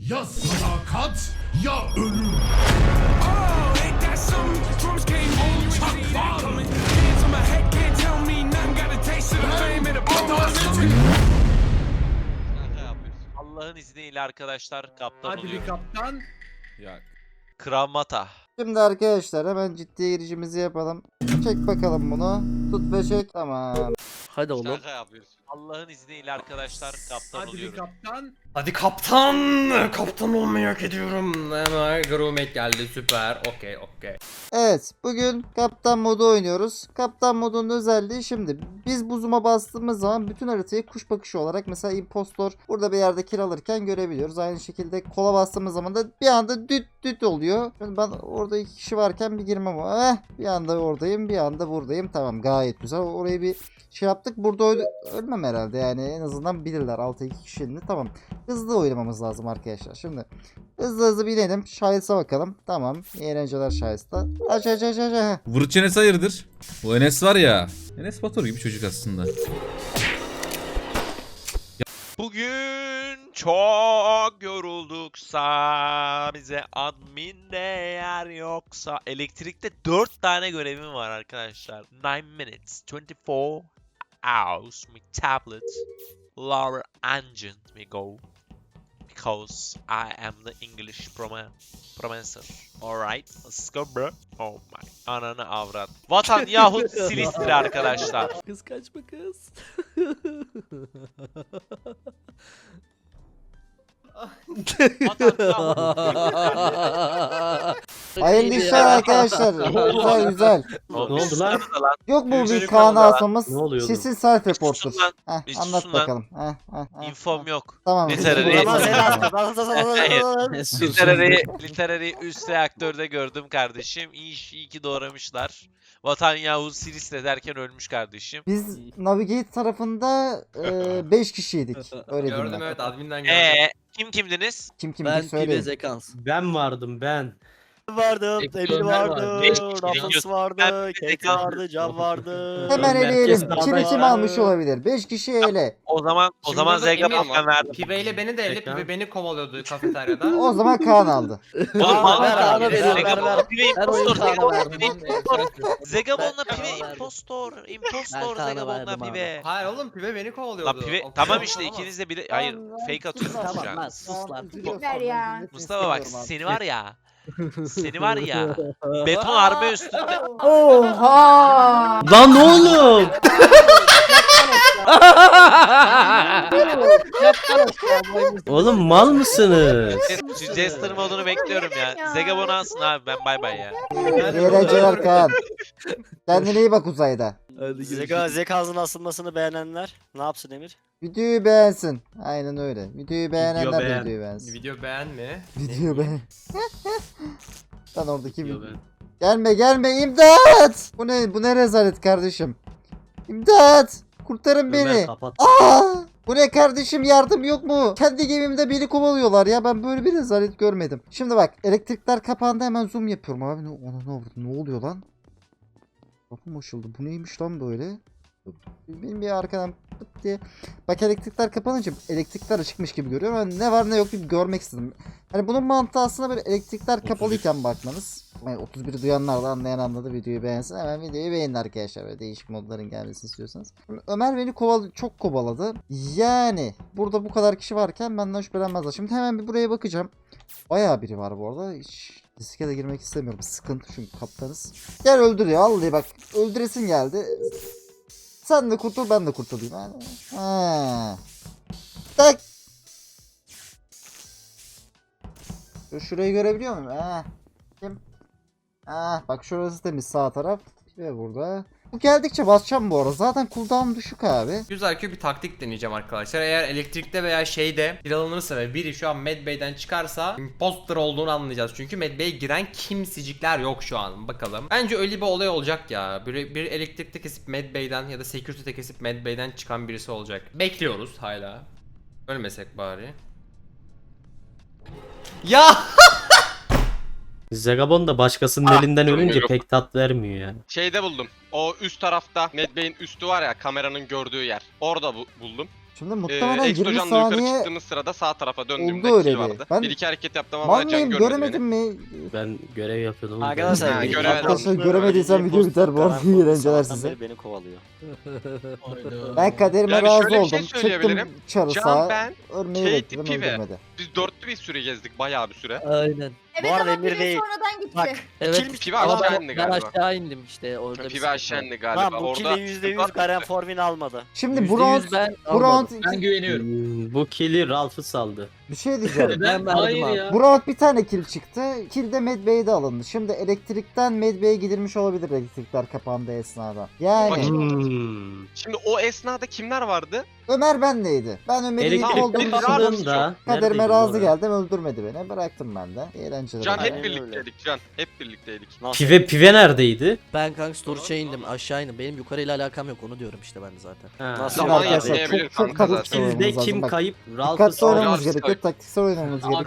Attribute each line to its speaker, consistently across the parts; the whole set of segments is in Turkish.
Speaker 1: Ya sadakat ya ölüm.
Speaker 2: Allah'ın izniyle arkadaşlar kaptan
Speaker 3: Hadi
Speaker 2: oluyor.
Speaker 3: bir kaptan.
Speaker 4: Ya
Speaker 2: Krav Maga.
Speaker 5: Şimdi arkadaşlar hemen ciddi girişimizi yapalım. Çek bakalım bunu. Tut ve çek. Tamam.
Speaker 6: Hadi oğlum.
Speaker 2: Şaka yapıyorsun. Allah'ın izniyle arkadaşlar kaptan
Speaker 3: Hadi bir
Speaker 2: oluyorum.
Speaker 3: kaptan.
Speaker 4: hadi kaptan. Kaptan olmayı hak ediyorum. Hemen Groomet geldi, süper. Okey.
Speaker 5: Evet, bugün kaptan modu oynuyoruz. Kaptan modunun özelliği şimdi biz bu zoom'a bastığımız zaman bütün haritayı kuş bakışı olarak mesela impostor burada bir yerde kill alırken görebiliyoruz. Aynı şekilde kola bastığımız zaman da bir anda düt oluyor. Şimdi ben orada 2 kişi varken bir girmem o. Bir anda oradayım, bir anda buradayım. Tamam, gayet güzel. Orayı bir şey yaptık. Burada ölmem herhalde yani, en azından bilirler 6-2 kişinin. Tamam. Hızlı oynamamız lazım arkadaşlar. Şimdi hızlı binelim. Şahıs'a bakalım. Tamam. İyi eğlenceler Şahıs'ta. Aç.
Speaker 7: Vırç Enes hayırdır? Bu Enes var ya. Enes Batur gibi çocuk aslında.
Speaker 2: Bugün çok yorulduksa bize adminde yer yoksa elektrikte 4 tane görevim var arkadaşlar. 9 minutes 24 hours my tablet lower engine we go because I am the English professor. Alright, let's go bro. Oh my ananı avrat. Vatan yahut Silistri arkadaşlar.
Speaker 6: Kız kaçma kız.
Speaker 2: Vatan yahut.
Speaker 5: Hayırlı işler arkadaşlar. Güzel.
Speaker 6: Ne oldu lan?
Speaker 5: Yok mu bir
Speaker 2: Üzülüm
Speaker 5: Kaan
Speaker 2: valla.
Speaker 5: asmamız?
Speaker 6: Ne oluyordu?
Speaker 5: Sesin self reporter.
Speaker 2: susun lan. Bir
Speaker 5: Anlat
Speaker 2: susun lan.
Speaker 5: bakalım.
Speaker 2: Infom yok.
Speaker 5: Tamam.
Speaker 2: Literary.
Speaker 6: Sus.
Speaker 2: Literary üst reaktörde gördüm kardeşim. İyi ki doğramışlar. Vatan Yahut Silistre derken ölmüş kardeşim.
Speaker 5: Biz Navigate tarafında 5 kişiydik. Öyle diyeyim
Speaker 4: Gördüm,
Speaker 5: ben.
Speaker 4: evet, adminden gördüm.
Speaker 2: Kimdiniz?
Speaker 5: Kim
Speaker 6: Ben
Speaker 5: kimdi
Speaker 6: Pibe
Speaker 5: söyleyin.
Speaker 6: Zekans.
Speaker 8: Ben vardım ben.
Speaker 6: Vardım, Emir vardı,
Speaker 2: Beş
Speaker 6: Rafız
Speaker 2: kişi
Speaker 6: vardı,
Speaker 2: Ben
Speaker 6: Kate
Speaker 2: Zekans.
Speaker 6: vardı, Can vardı.
Speaker 5: Hemen
Speaker 8: Merkez
Speaker 5: eleyelim.
Speaker 8: dağda
Speaker 5: Kimi kim
Speaker 8: ya.
Speaker 5: almış olabilir? 5 kişi ele.
Speaker 2: O zaman
Speaker 4: Şimdi burada
Speaker 2: Zegabon
Speaker 4: Emir
Speaker 2: ben verdim.
Speaker 4: Pibe ile beni de elle,
Speaker 8: Tekrar.
Speaker 4: Pibe beni kovalıyordu kafeteryada.
Speaker 5: O zaman Kaan aldı.
Speaker 2: Oğlum
Speaker 6: Ver
Speaker 2: valla
Speaker 6: abi, ver,
Speaker 2: Zegabon'la
Speaker 6: ver.
Speaker 2: Pive
Speaker 6: Her oyun
Speaker 2: impostor.
Speaker 6: Kaan'a
Speaker 2: Zegabon'la
Speaker 6: verdim.
Speaker 2: Pive impostor. Zegabon'la
Speaker 6: Ben
Speaker 2: Pive
Speaker 6: Kaan'a verdim.
Speaker 2: impostor.
Speaker 6: Ben
Speaker 2: Impostor
Speaker 6: Kaan'a
Speaker 2: Zegabon'la
Speaker 6: verdim abi.
Speaker 2: Pive.
Speaker 4: Hayır oğlum, Pibe beni kovalıyordu.
Speaker 2: Lan Pive
Speaker 4: O
Speaker 2: tamam
Speaker 4: kadar
Speaker 2: işte
Speaker 4: olamaz.
Speaker 2: ikiniz de bile hayır fake atıyorsunuz
Speaker 6: Tamam
Speaker 2: şu
Speaker 6: lan
Speaker 2: an.
Speaker 6: sus lan.
Speaker 9: Ver ya.
Speaker 2: Mustafa bak seni var ya. Seni var ya. Beton arme üstünde.
Speaker 9: Oha!
Speaker 8: Lan oğlum. Oğlum mal mısınız?
Speaker 2: Şu Jester modunu bekliyorum ya. Zegabon alsın abi ben bay bay ya.
Speaker 5: İyi eğlenceler Kaan. Kendine iyi bak uzayda.
Speaker 6: Hadi
Speaker 10: Zekasının asılmasını beğenenler ne yapsın Emir?
Speaker 5: Videoyu beğensin. Aynen öyle. Videoyu beğenenler de
Speaker 8: beğen.
Speaker 5: videoyu beğensin.
Speaker 4: Video beğenme.
Speaker 5: Video beğen. Lan oradaki
Speaker 8: Video
Speaker 5: video.
Speaker 8: beğen.
Speaker 5: Gelme imdat! Bu ne rezalet kardeşim. İmdat! Kurtarın beni.
Speaker 8: Ömer kapat.
Speaker 5: Bu ne kardeşim, yardım yok mu? Kendi gemimde beni kovalıyorlar ya, ben böyle bir rezalet görmedim. Şimdi bak, elektrikler kapandı, hemen zoom yapıyorum abi. Ne oluyor lan? Kapım açıldı. Bu neymiş lan böyle? Benim bir arkadan pıt diye. Bak, elektrikler kapanınca elektrikler açıkmış gibi görüyorum. Yani ne var ne yok gibi görmek istedim. Hani bunun mantığı aslında böyle elektrikler kapalıyken bakmanız. Yani 31'i duyanlar da anlayan anladı, videoyu beğensin. Hemen videoyu beğenin arkadaşlar. Böyle değişik modların gelmesini istiyorsanız. Şimdi Ömer beni çok kovaladı. Yani burada bu kadar kişi varken benden şüphelenmezler. Şimdi hemen bir buraya bakacağım. Bayağı biri var bu arada. Hiç riske de girmek istemiyorum. Sıkıntı çünkü kaptanız. Gel öldür ya. Vallahi bak, öldüresin geldi. Sen de kurtul, ben de kurtulayım. Ha. Tak. Şurayı görebiliyor muyum? Kim? Bak şurası temiz, sağ taraf. Ve burada. Bu geldikçe basacağım bu arada. Zaten cooldown düşük abi.
Speaker 4: Güzel ki bir taktik deneyeceğim arkadaşlar. Eğer elektrikte veya şeyde kiralanırsa ve biri şu an Medbay'den çıkarsa imposter olduğunu anlayacağız. Çünkü Medbay'e giren kimsicikler yok şu an. Bakalım. Bence öyle bir olay olacak ya. Bir elektrikte kesip Medbay'den ya da security'de kesip Medbay'den çıkan birisi olacak. Bekliyoruz hala. Ölmesek bari. Ya!
Speaker 8: Zegabon da başkasının elinden ölünce pek tat vermiyor yani.
Speaker 11: Şeyde buldum. O üst tarafta Medbay'in üstü var ya, kameranın gördüğü yer. Orada buldum.
Speaker 5: Şimdi muhtemelen 20
Speaker 3: Exocan'la yukarı
Speaker 5: saniye
Speaker 3: çıktığımız sırada sağ tarafa döndüğümde
Speaker 5: oldu öyle
Speaker 3: kill
Speaker 5: bir.
Speaker 3: vardı.
Speaker 5: Ben-
Speaker 3: Bir iki hareket yaptım ama
Speaker 5: Mal
Speaker 3: can
Speaker 5: mıyım
Speaker 3: görmedi
Speaker 5: göremedim
Speaker 3: beni.
Speaker 5: mi?
Speaker 8: Ben görev yapıyordum.
Speaker 10: Arkadaşlar
Speaker 3: Ha,
Speaker 10: bir
Speaker 3: görev
Speaker 5: Arkadaşlar
Speaker 10: adamlı
Speaker 5: göremediysem
Speaker 10: öyle
Speaker 5: video biter bu arada.
Speaker 10: poster
Speaker 5: İyi eğlenceler
Speaker 10: sabahtan
Speaker 5: size.
Speaker 10: beri beni kovalıyor.
Speaker 5: Ben kaderime
Speaker 3: Yani
Speaker 5: razı
Speaker 3: şöyle bir
Speaker 5: oldum.
Speaker 3: şey
Speaker 5: Çıktım
Speaker 3: söyleyebilirim.
Speaker 5: çarı
Speaker 3: Can,
Speaker 5: sağa.
Speaker 3: ben,
Speaker 5: Örneği
Speaker 3: Kate,
Speaker 5: bekledim
Speaker 3: Pive.
Speaker 5: öldürmedi.
Speaker 3: Biz dörtlü bir süre gezdik, bayağı bir süre.
Speaker 6: Aynen.
Speaker 9: Evet
Speaker 10: Bu arada
Speaker 9: ama
Speaker 10: Emir
Speaker 9: biri
Speaker 10: değil.
Speaker 9: sonradan gitti.
Speaker 10: Bak.
Speaker 6: Evet.
Speaker 3: Pive
Speaker 6: Ama
Speaker 3: aşağı
Speaker 6: ben,
Speaker 3: indi
Speaker 6: ben
Speaker 3: galiba.
Speaker 6: aşağı indim işte orada bir
Speaker 3: Pive
Speaker 6: sıkıntı
Speaker 3: aşağı
Speaker 6: var.
Speaker 3: indi galiba.
Speaker 10: Lan bu
Speaker 3: Orada
Speaker 10: kill'i %100 Garen Forvin almadı.
Speaker 5: Şimdi bu round,
Speaker 6: ben
Speaker 5: bu round
Speaker 6: almadım.
Speaker 1: Ben güveniyorum.
Speaker 8: Bu kill'i Ralph'ı saldı.
Speaker 5: bir şey diyeceğim.
Speaker 6: Ben verdim abi.
Speaker 5: Bu round bir tane kill çıktı. Kill de Medbay'de alındı. Şimdi elektrikten Medbay'e gidilmiş olabilir elektrikler kapandığı esnada. Yani
Speaker 3: Bakayım. Şimdi o esnada kimler vardı?
Speaker 5: Ömer benleydi. Ben Ömer'i ilk
Speaker 8: Elektrik
Speaker 5: olduğum için
Speaker 8: kapandığında
Speaker 5: kaderime
Speaker 8: neredeydin
Speaker 5: razı
Speaker 8: orada?
Speaker 5: geldim öldürmedi beni. Bıraktım ben de. Eğlenceler.
Speaker 3: Can
Speaker 10: Aynen
Speaker 3: hep
Speaker 10: öyle.
Speaker 3: birlikteydik Can. Hep birlikteydik.
Speaker 10: Nasıl?
Speaker 8: Pive neredeydi?
Speaker 6: Ben kanka storage'a indim aşağı indim. Benim yukarıyla alakam yok onu diyorum işte ben de zaten.
Speaker 8: Ha.
Speaker 10: Nasıl?
Speaker 3: Zaman
Speaker 5: Arkadaşlar
Speaker 3: yetmeyebilir
Speaker 5: çok
Speaker 3: kanka
Speaker 5: çok
Speaker 3: zaten.
Speaker 5: oynamamız
Speaker 8: Kill'de
Speaker 5: lazım.
Speaker 8: kim
Speaker 5: Bak,
Speaker 8: kayıp? Ralph'ı
Speaker 5: dikkatli
Speaker 8: saldı.
Speaker 5: oynamamız
Speaker 3: Ralph'ı
Speaker 5: gerekiyor. Taktiksel oynamamız gerekiyor.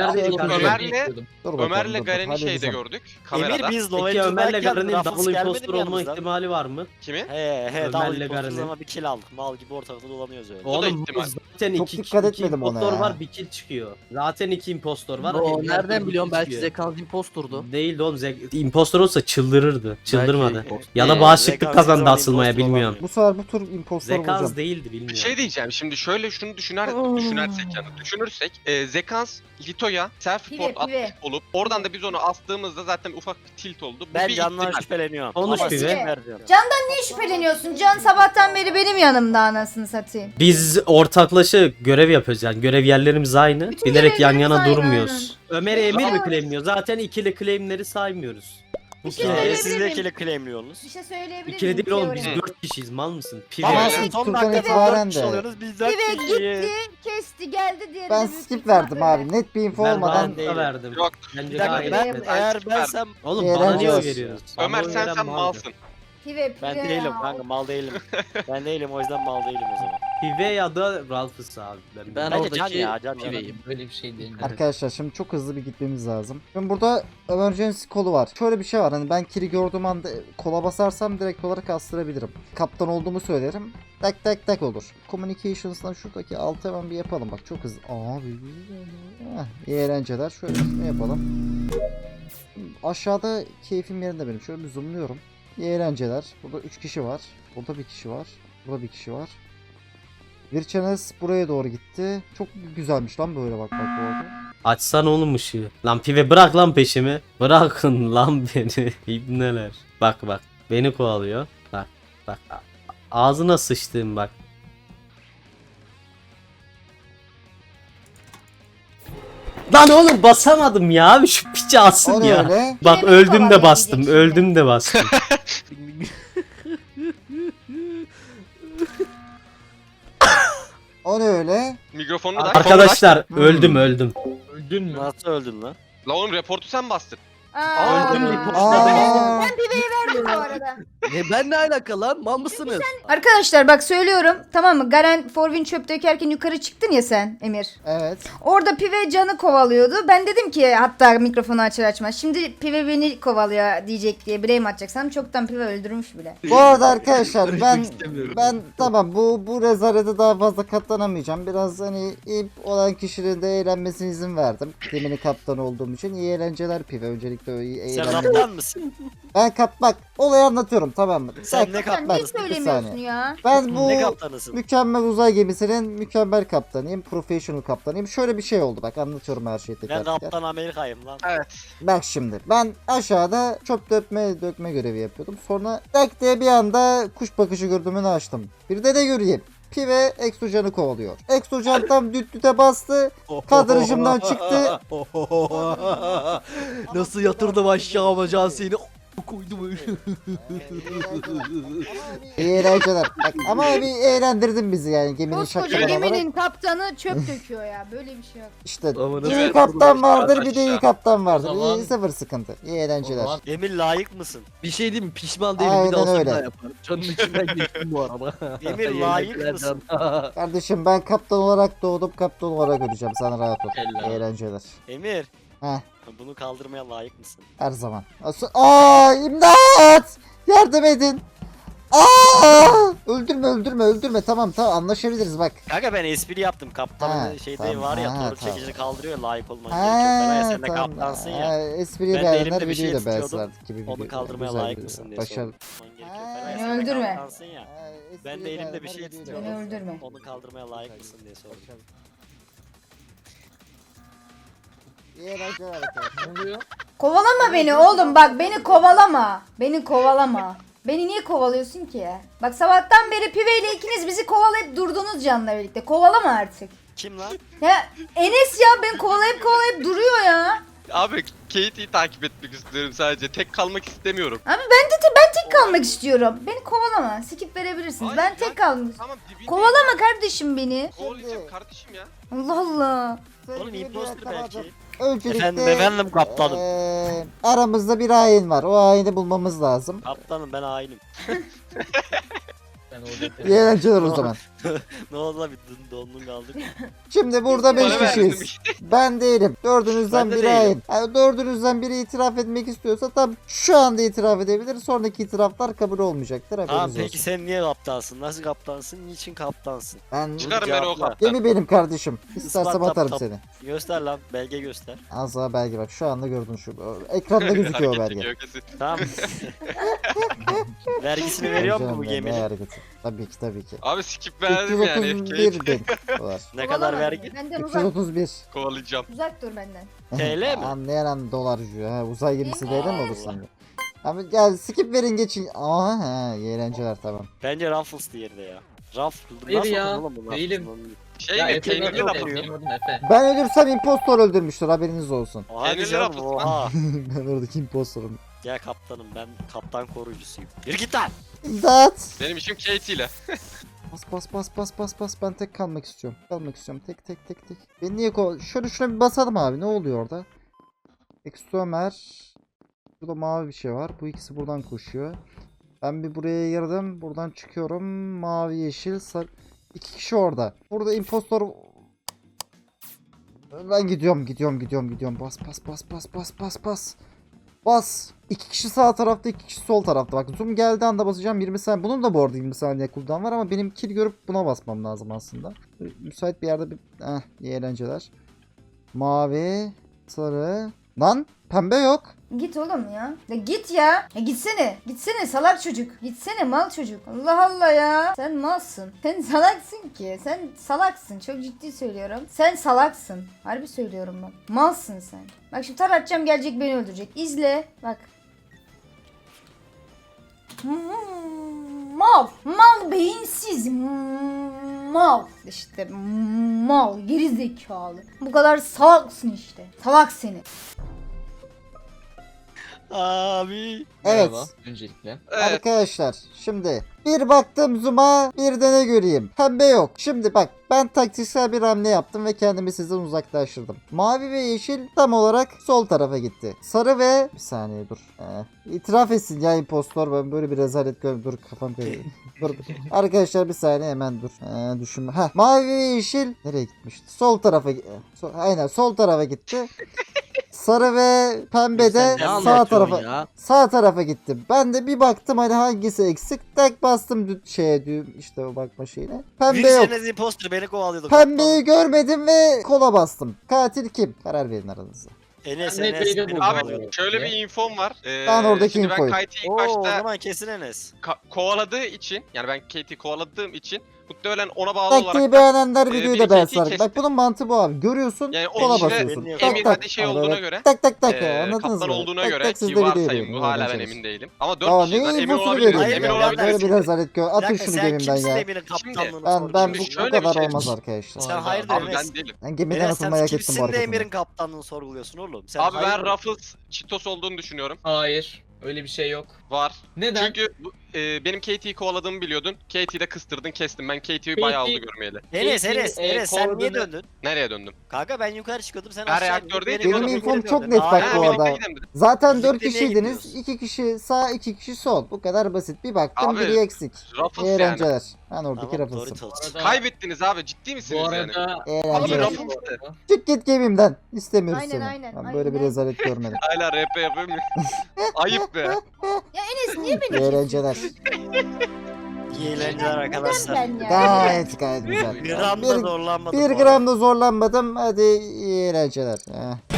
Speaker 3: Ömer'le
Speaker 5: Dur bakalım,
Speaker 3: Ömer'le
Speaker 5: dur,
Speaker 3: Garen'i şeyde
Speaker 5: halledeceğim.
Speaker 3: gördük.
Speaker 10: Emir
Speaker 3: Kamerada.
Speaker 10: biz
Speaker 8: Peki
Speaker 10: Love'ye
Speaker 8: Ömer'le
Speaker 10: tutarken
Speaker 8: Garen'in
Speaker 10: Raffles
Speaker 8: double
Speaker 10: gelmedi
Speaker 8: impostor
Speaker 10: mi
Speaker 8: olma
Speaker 10: yanımızdan?
Speaker 8: ihtimali var mı?
Speaker 3: Kimi?
Speaker 10: He double
Speaker 8: Ömer'le
Speaker 10: impostoruz
Speaker 8: Garen'in.
Speaker 10: ama bir kill aldık. Mal gibi ortalıkta dolanıyoruz öyle.
Speaker 3: da
Speaker 8: Oğlum
Speaker 3: ihtimal.
Speaker 8: zaten
Speaker 5: Çok
Speaker 8: iki
Speaker 5: dikkat etmedim ona
Speaker 8: impostor
Speaker 5: ya.
Speaker 8: var bir kill çıkıyor. Zaten iki impostor var.
Speaker 6: O
Speaker 8: diğer
Speaker 6: nereden
Speaker 8: türlü
Speaker 6: biliyorum
Speaker 8: kill
Speaker 6: belki
Speaker 8: çıkıyor.
Speaker 6: Zekans imposturdu.
Speaker 8: Değildi oğlum. Impostor olsa çıldırırdı. Çıldırmadı.
Speaker 6: Belki-
Speaker 8: Ya da
Speaker 10: Zekans
Speaker 8: bağışıklık
Speaker 10: hiçbir
Speaker 8: kazandı
Speaker 10: zaman
Speaker 8: asılmaya
Speaker 10: impostor
Speaker 8: bilmiyorum.
Speaker 10: olamıyor.
Speaker 5: Bu sefer bu tur impostor
Speaker 8: Zekans
Speaker 5: bulacağım.
Speaker 8: değildi
Speaker 3: Bir
Speaker 8: bilmiyorum.
Speaker 3: şey diyeceğim. Şimdi şöyle şunu düşünürsek yani düşünürsek Zekans Lito'ya self report
Speaker 9: Pive.
Speaker 3: atmış olup oradan da biz onu astığımızda zaten ufak bir tilt oldu. Bu
Speaker 10: Ben
Speaker 3: bir
Speaker 10: Can'dan
Speaker 3: ihtimal.
Speaker 10: şüpheleniyorum.
Speaker 8: Konuş
Speaker 10: Ama
Speaker 8: Pive.
Speaker 10: size vereceğim.
Speaker 9: Niye şüpheleniyorsun? Can sabahtan beri benim yanımda anasını satayım.
Speaker 8: Biz ortaklaşa görev yapıyoruz yani görev yerlerimiz aynı.
Speaker 9: Bütün
Speaker 8: Bilerek yan
Speaker 9: görevlerimiz
Speaker 8: yana
Speaker 9: aynı,
Speaker 8: durmuyoruz. Ömer'i Emir mi
Speaker 9: Evet.
Speaker 8: claimliyor? Zaten ikili claimleri saymıyoruz. Bu
Speaker 9: Bir şey
Speaker 8: kez-
Speaker 9: söyleyebilir
Speaker 10: Siz
Speaker 9: miyim?
Speaker 10: de kill'i claimliyorsunuz.
Speaker 9: Bir şey söyleyebilir
Speaker 8: İkili değil oğlum biz
Speaker 9: teorimi?
Speaker 8: 4 kişiyiz mal mısın? Pive.
Speaker 10: Ama
Speaker 3: Evet.
Speaker 10: siz
Speaker 5: İlk
Speaker 10: son
Speaker 5: turdan
Speaker 10: dakikada
Speaker 5: itibaren
Speaker 10: 4 kişi
Speaker 5: de.
Speaker 10: oluyorsunuz. Biz 4
Speaker 9: Pive
Speaker 10: kişiyiz.
Speaker 9: gitti, kesti, geldi diğeri
Speaker 5: Ben
Speaker 9: de büyük
Speaker 5: skip
Speaker 9: ihtimal
Speaker 5: verdim abi.
Speaker 9: böyle.
Speaker 5: Net bir info
Speaker 8: Ben
Speaker 5: olmadan.
Speaker 8: bana verdim.
Speaker 3: Yok.
Speaker 8: Bence
Speaker 10: Bir dakika
Speaker 8: gayet
Speaker 10: ben
Speaker 8: net.
Speaker 10: eğer bensem
Speaker 8: Oğlum
Speaker 5: Bir
Speaker 8: bana niye oy
Speaker 5: eğlenceli.
Speaker 8: veriyoruz?
Speaker 3: Ömer
Speaker 8: Bana oy
Speaker 3: sen
Speaker 8: veren maldır.
Speaker 3: malsın.
Speaker 9: Pive,
Speaker 10: ben
Speaker 9: pive
Speaker 10: değilim
Speaker 9: ya.
Speaker 10: kanka mal değilim. Ben değilim o yüzden mal değilim o zaman.
Speaker 8: Pive ya da Ralph'ıs abi.
Speaker 6: Ben
Speaker 10: Bence Can
Speaker 6: oradaki
Speaker 10: ya, Can ya.
Speaker 6: piveyim.
Speaker 1: Böyle bir şey değil.
Speaker 5: Arkadaşlar şimdi çok hızlı bir gitmemiz lazım. Şimdi burada emergency kolu var. Şöyle bir şey var. Hani ben kili gördüğüm anda kola basarsam direkt olarak astırabilirim. Kaptan olduğumu söylerim. Tak tak tak olur. Communications'dan şuradaki altı hemen bir yapalım. Bak çok hızlı. Abi. İyi eğlenceler. Şöyle şunu yapalım. Aşağıda keyfim yerinde benim. Şöyle bir zoomluyorum. İyi eğlenceler. Burada 3 kişi var. Burada bir kişi var. Burada bir kişi var. Virchanes buraya doğru gitti. Çok güzelmiş lan böyle bak bu arada.
Speaker 8: Açsan oğlum ışığı. Lan Pive bırak lan peşimi. Bırakın lan beni. İbneler. Bak bak. Beni kovalıyor. Bak bak. Ağzına sıçtım bak. Lan oğlum basamadım ya. Abi şu piçi alsın
Speaker 5: O ne
Speaker 8: ya.
Speaker 5: öyle?
Speaker 8: Bak
Speaker 9: Yine
Speaker 8: öldüm
Speaker 9: beni
Speaker 8: de bastım.
Speaker 9: kovalayacak
Speaker 8: Öldüm de bastım.
Speaker 5: O ne öyle?
Speaker 3: Mikrofonu da
Speaker 8: Arkadaşlar öldüm öldüm.
Speaker 1: Öldün mü?
Speaker 10: Nasıl öldün lan?
Speaker 3: La oğlum reportu sen bastın.
Speaker 9: Aa,
Speaker 8: Öldüm bir
Speaker 9: aa.
Speaker 8: postada.
Speaker 9: Ben piveyi verdim bu arada.
Speaker 6: Ben ne alaka lan? Mal mısınız?
Speaker 9: Arkadaşlar bak söylüyorum tamam mı? Garen Forvin çöp dökerken yukarı çıktın ya sen Emir.
Speaker 5: Evet.
Speaker 9: Orada Pive Can'ı kovalıyordu. Ben dedim ki hatta mikrofonu açar açmaz. Şimdi Pive beni kovalıyor diyecek diye blame atacaksam çoktan Pive öldürmüş bile.
Speaker 5: Bu arada arkadaşlar ben tamam bu rezalete daha fazla katlanamayacağım. Biraz hani ip olan kişinin de eğlenmesine izin verdim. Geminin kaptanı olduğum için iyi eğlenceler Pive. Öncelikle o iyi
Speaker 10: Sen
Speaker 5: eğlenceler.
Speaker 10: kaptan mısın?
Speaker 5: Ben bak olayı anlatıyorum tamam mı?
Speaker 10: Sen
Speaker 5: Bak,
Speaker 10: ne
Speaker 9: Sen niye
Speaker 10: kaptanısın?
Speaker 5: bir
Speaker 9: söylemiyorsun
Speaker 5: saniye.
Speaker 9: ya?
Speaker 5: Ben bu
Speaker 10: Ne kaptanısın?
Speaker 5: mükemmel uzay gemisinin mükemmel kaptanıyım. Professional kaptanıyım. Şöyle bir şey oldu bak anlatıyorum her şeyi
Speaker 10: Ben
Speaker 5: tekrar. tekrar.
Speaker 10: Kaptan Amerika'yım lan.
Speaker 3: Evet.
Speaker 5: Bak şimdi ben aşağıda çöp dökme görevi yapıyordum. Sonra tak diye bir anda kuş bakışı gördüğümünü açtım. Bir de göreyim. Pive Exocan'ı kovalıyor. Exocan tam dütte bastı. Kadrajımdan çıktı.
Speaker 6: Nasıl yatırdım aşağı Can seni koydum.
Speaker 5: İyi eğlenceler. Bak, ama bir eğlendirdin bizi yani geminin
Speaker 9: Koskoca
Speaker 5: şakaları olarak.
Speaker 9: geminin kaptanı çöp döküyor ya. Böyle bir şey yok.
Speaker 5: İşte
Speaker 6: Aman
Speaker 5: iyi
Speaker 6: evet.
Speaker 5: kaptan vardır bir de iyi
Speaker 3: Aşağı.
Speaker 5: kaptan vardır.
Speaker 1: O zaman-
Speaker 5: İyi sıfır sıkıntı. İyi eğlenceler.
Speaker 10: Emir layık mısın?
Speaker 6: Bir şey diyeyim mi? Pişman değilim.
Speaker 5: Aynen
Speaker 6: Bir daha olsa
Speaker 5: öyle.
Speaker 6: bir daha yaparım. Canın içinden geçtim bu arada.
Speaker 10: Emir layık mısın?
Speaker 5: Kardeşim ben kaptan olarak doğdum kaptan olarak öleceğim. Sana rahat ol.
Speaker 1: Helal.
Speaker 5: İyi eğlenceler.
Speaker 10: Emir.
Speaker 5: Heh.
Speaker 10: Bunu kaldırmaya layık mısın?
Speaker 5: Her zaman. Aa imdat! Yardım edin. Aa! Öldürme. Tamam anlaşabiliriz bak.
Speaker 10: Kanka ben espri yaptım. Kaptanın
Speaker 5: Ha,
Speaker 10: şeyde
Speaker 5: tamam,
Speaker 10: var ya
Speaker 5: ha,
Speaker 10: torun
Speaker 5: tamam.
Speaker 10: çekici kaldırıyor layık olman gerekiyor. Ben sen de kaptansın ya.
Speaker 5: Espriyi
Speaker 10: Ben de
Speaker 5: beğenenler
Speaker 10: elimde bir şey
Speaker 5: videoyu da beğensin
Speaker 10: tutuyordum.
Speaker 5: artık gibi
Speaker 10: Onu
Speaker 5: video.
Speaker 10: kaldırmaya
Speaker 5: Güzel
Speaker 10: layık
Speaker 5: video.
Speaker 10: mısın diye
Speaker 5: Başarılı.
Speaker 10: sorman gerekiyor.
Speaker 5: Aa,
Speaker 10: Feray,
Speaker 9: beni
Speaker 10: sen de
Speaker 9: öldürme.
Speaker 10: kaptansın ya.
Speaker 5: Espriyi
Speaker 10: Ben de elimde bir şey
Speaker 5: beğenenler videoyu da
Speaker 10: tutuyorum.
Speaker 9: Beni
Speaker 5: beğensin.
Speaker 9: öldürme.
Speaker 10: Onu kaldırmaya layık mısın diye sordum.
Speaker 5: İyi eğlenceler arkadaşlar.
Speaker 9: Kovalama beni oğlum bak beni kovalama. Beni kovalama. Beni niye kovalıyorsun ki? Bak sabahtan beri Pive ile ikiniz bizi kovalayıp durdunuz Can'la birlikte. Kovalama artık.
Speaker 10: Kim lan?
Speaker 9: Ya Enes ya beni kovalayıp duruyor ya.
Speaker 3: Abi Katie'yi takip etmek istiyorum sadece. Tek kalmak istemiyorum.
Speaker 9: Abi ben tek kalmak istiyorum. Beni kovalama. Skip verebilirsiniz.
Speaker 3: Hayır
Speaker 9: Ben
Speaker 3: ya,
Speaker 9: tek kalmak.
Speaker 3: Tamam dibinde.
Speaker 9: Kovalama kardeşim beni.
Speaker 3: Kovalayacağım kardeşim ya.
Speaker 9: Allah Allah.
Speaker 10: Oğlum imposter belki.
Speaker 5: Öncelikle
Speaker 10: Efendim kaptanım.
Speaker 5: aramızda bir hain var. O haini bulmamız lazım.
Speaker 10: Kaptanım ben hainim.
Speaker 5: İyi eğlenceler o zaman.
Speaker 10: Ne oldu lan bir dondun kaldık.
Speaker 5: Şimdi burada 5
Speaker 3: Bana verdim
Speaker 5: kişiyiz.
Speaker 3: işte.
Speaker 5: Ben değilim. Dördünüzden
Speaker 10: Ben de
Speaker 5: biri hain.
Speaker 10: değilim.
Speaker 5: Yani dördünüzden biri itiraf etmek istiyorsa tam şu anda itiraf edebilir. Sonraki itiraflar kabul olmayacaktır. Haberiniz
Speaker 10: Tamam
Speaker 5: olsun.
Speaker 10: peki sen niye kaptansın? Nasıl kaptansın? Niçin kaptansın?
Speaker 5: Ben
Speaker 3: Çıkarın beni o
Speaker 10: Cevapla.
Speaker 3: kaptan.
Speaker 5: gemi benim kardeşim. İstersem
Speaker 10: Ispat,
Speaker 5: atarım
Speaker 10: tap,
Speaker 5: seni.
Speaker 10: Göster lan belge göster.
Speaker 5: Az daha belge bak şu anda gördün şu. Ekranda gözüküyor o
Speaker 3: Hareket
Speaker 5: belge.
Speaker 3: çekiyor kesin.
Speaker 10: Tamam. Vergisini veriyor mu bu
Speaker 5: Canım benim, ne
Speaker 10: geminin?
Speaker 5: hareketi? Tabii ki.
Speaker 3: Abi skip verdim yani.
Speaker 5: 331
Speaker 3: Katie
Speaker 5: bin dolar.
Speaker 10: Ne kadar vergi?
Speaker 9: Benden uzak.
Speaker 5: 331.
Speaker 3: kovalayacağım.
Speaker 9: Uzak dur benden.
Speaker 10: TL mi?
Speaker 5: Anlayan dolarcı. Ha, uzay gemisi değil mi olur
Speaker 10: Allah.
Speaker 5: sanki? Abi gel skip verin geçin. Aha iyi eğlenceler tamam.
Speaker 10: Bence Ruffles diğeri de ya. Ruffles
Speaker 11: Hayır
Speaker 10: nasıl
Speaker 11: ya,
Speaker 10: olur oğlum bu
Speaker 11: değilim.
Speaker 10: Ruffles'ın?
Speaker 3: Şey
Speaker 11: Ya
Speaker 3: mi?
Speaker 11: Efe
Speaker 3: Peynirli
Speaker 11: benim
Speaker 3: laf
Speaker 11: adım,
Speaker 3: atıyor.
Speaker 11: benim adım Efe.
Speaker 5: Ben ölürsem impostor öldürmüştür haberiniz olsun.
Speaker 10: Hadi
Speaker 3: Peynirli
Speaker 10: canım
Speaker 3: Ruffles
Speaker 10: oha.
Speaker 5: Ben oradaki impostorum.
Speaker 10: Gel kaptanım ben kaptan koruyucusuyum. Yürü git lan.
Speaker 5: İmdat.
Speaker 3: Benim işim Katie ile.
Speaker 5: Bas ben tek kalmak istiyorum. Tek. Beni niye şuna bir basalım abi ne oluyor orada? Extomer. Burada mavi bir şey var. Bu ikisi buradan koşuyor. Ben bir buraya girdim. Buradan çıkıyorum. Mavi yeşil sarı. 2 kişi orada. Burada impostor. Ben gidiyorum. Bas. 2 kişi sağ tarafta 2 kişi sol tarafta. Bak zoom geldiği anda basacağım 20 saniye. Bunun da bu arada 20 saniye cooldown var ama benim kill görüp buna basmam lazım aslında. Müsait bir yerde bir... iyi eğlenceler. Mavi. Sarı. Lan pembe yok.
Speaker 9: Git oğlum ya. Ya git ya. Ya gitsene. Gitsene salak çocuk. Gitsene mal çocuk. Allah Allah ya. Sen malsın. Sen salaksın ki. Sen salaksın. Çok ciddi söylüyorum. Sen salaksın. Harbi söylüyorum bak. Malsın sen. Bak şimdi tar atacağım gelecek beni öldürecek. İzle. Bak. Mal. Mal beyinsiz. Mal. İşte mal. Geri zekalı. Bu kadar salaksın işte. Salak seni.
Speaker 10: Abi.
Speaker 5: Evet.
Speaker 11: Merhaba, öncelikle.
Speaker 3: Evet.
Speaker 5: Arkadaşlar şimdi bir baktım zoom'a bir de ne göreyim. Pembe yok. Şimdi bak ben taktiksel bir hamle yaptım ve kendimi sizden uzaklaştırdım. Mavi ve yeşil tam olarak sol tarafa gitti. Sarı ve... Bir saniye dur. İtiraf etsin ya impostor ben böyle bir rezalet görüyorum. Dur kafam kayıyor. Dur. Arkadaşlar bir saniye hemen dur. Düşünme. Mavi ve yeşil nereye gitmişti? Sol tarafa aynen sol tarafa gitti. Sarı ve pembe de sağ tarafa gitti. Ben de bir baktım hani hangisi eksik. Tek bastım düğüm işte o bakma şeyine. Pembe yok.
Speaker 10: Büyük imposter beni kovalıyordu.
Speaker 5: Pembeyi görmedim ve kola bastım. Katil kim? Karar verin aranızda.
Speaker 10: Enes
Speaker 11: Ben de
Speaker 10: Enes
Speaker 11: Bey'de
Speaker 10: beni
Speaker 11: buldum.
Speaker 10: kovalıyordu.
Speaker 3: Abi şöyle bir infom var.
Speaker 5: Ben oradaki
Speaker 3: şimdi
Speaker 5: infoyu.
Speaker 3: ben Katie'yi
Speaker 10: Oo
Speaker 3: ilk
Speaker 10: o
Speaker 3: başta
Speaker 10: zaman kesin Enes.
Speaker 3: kovaladığı için yani ben Katie'yi kovaladığım için muhtemelen ona bağlı olarak
Speaker 5: Taktiği beğenenler videoyu
Speaker 3: biri
Speaker 5: da beğensin.
Speaker 3: Katie'yi
Speaker 5: Bak
Speaker 3: kesti.
Speaker 5: bunun mantığı bu abi. Görüyorsun
Speaker 3: yani
Speaker 5: kola
Speaker 3: o
Speaker 5: basıyorsun.
Speaker 10: Benim
Speaker 3: Emin
Speaker 5: Tak
Speaker 3: hadi şey
Speaker 5: Hani
Speaker 3: olduğuna
Speaker 5: böyle
Speaker 3: göre
Speaker 5: tak anladınız
Speaker 3: kaptan
Speaker 5: mı?
Speaker 3: olduğuna
Speaker 5: Tak
Speaker 3: göre
Speaker 5: tak siz
Speaker 3: ki
Speaker 5: de
Speaker 3: varsayım
Speaker 5: videoyu
Speaker 3: bu hala ben
Speaker 5: öğreneceksiniz.
Speaker 3: emin değilim. Ama 4
Speaker 5: Aa
Speaker 3: kişiden
Speaker 5: ne
Speaker 3: emin
Speaker 5: infosunu
Speaker 3: olabilirim.
Speaker 5: veriyorsun
Speaker 10: Hayır,
Speaker 3: Emin
Speaker 5: ya?
Speaker 3: olabilirim.
Speaker 5: Böyle bir rezalet gör.
Speaker 10: Bir
Speaker 5: Atın
Speaker 10: dakika,
Speaker 5: şunu
Speaker 10: sen
Speaker 5: gemimden
Speaker 10: kimsin
Speaker 5: ya.
Speaker 10: de benim kaptanlığını
Speaker 5: Ben
Speaker 10: sorguluyorsun?
Speaker 5: bu
Speaker 3: Şöyle bir
Speaker 5: kadar
Speaker 3: şey-
Speaker 5: olmaz arkadaşlar.
Speaker 10: Sen hayırdır
Speaker 3: Abi
Speaker 10: Enes?
Speaker 3: ben değilim.
Speaker 5: Ben gemiden
Speaker 10: Enes
Speaker 5: atılmayı
Speaker 10: sen
Speaker 5: hak ettim bu
Speaker 10: kimsin de
Speaker 5: hareketimle.
Speaker 10: Emir'in kaptanlığını sorguluyorsun oğlum? Sen
Speaker 3: Abi ben
Speaker 10: hayırdır?
Speaker 3: Ruffles Cheetos olduğunu düşünüyorum.
Speaker 11: Hayır, öyle bir şey yok.
Speaker 3: Var.
Speaker 11: Neden?
Speaker 3: Çünkü benim Katie'yi kovaladığımı biliyordun. Katie'yi de kıstırdın kestim. Ben Katie'yi bayağı oldu görmeyeli.
Speaker 10: Enes
Speaker 11: Peki,
Speaker 10: Enes Enes sen niye
Speaker 11: kovaladığını-
Speaker 10: döndün?
Speaker 3: Nereye döndüm?
Speaker 10: Kanka ben yukarı çıkıyordum sen
Speaker 3: Ben
Speaker 10: aşağı
Speaker 3: reaktördeydim
Speaker 10: indin,
Speaker 3: oğlum.
Speaker 5: Benim
Speaker 10: geri
Speaker 5: infom çok
Speaker 10: döndün.
Speaker 5: net bak
Speaker 10: Hayır,
Speaker 5: bu
Speaker 3: birlikte
Speaker 5: arada.
Speaker 3: gidelim dedim.
Speaker 5: Zaten
Speaker 10: Birlikte
Speaker 5: 4
Speaker 10: niye
Speaker 5: kişiydiniz.
Speaker 10: gidiyoruz?
Speaker 5: 2 kişi sağ 2 kişi sol. Bu kadar basit. Bir baktım
Speaker 3: Abi,
Speaker 5: biri eksik.
Speaker 3: Ruffles
Speaker 5: İyi
Speaker 3: yani.
Speaker 5: eğlenceler. Ben oradaki
Speaker 10: Tamam
Speaker 5: Ruffles'ım.
Speaker 10: Doritos.
Speaker 3: Kaybettiniz abi ciddi misiniz
Speaker 11: Bu
Speaker 3: yani?
Speaker 11: arada...
Speaker 5: İyi
Speaker 3: Abi
Speaker 5: eğlenceler.
Speaker 3: Ruffles'tı.
Speaker 5: Çık git gemimden. İstemiyoruz
Speaker 9: Aynen,
Speaker 5: seni.
Speaker 9: aynen,
Speaker 5: Ben böyle bir
Speaker 9: aynen.
Speaker 5: rezalet görmedim.
Speaker 3: Hala RP yapıyor muyum? Ayıp be.
Speaker 9: Ya Enes niye beni
Speaker 5: İyi eğlenceler.
Speaker 10: İyi eğlenceler arkadaşlar.
Speaker 9: Ben ya.
Speaker 5: Gayet güzel.
Speaker 10: Bir gram da zorlanmadım.
Speaker 5: Bir gram da zorlanmadım. Hadi iyi eğlenceler.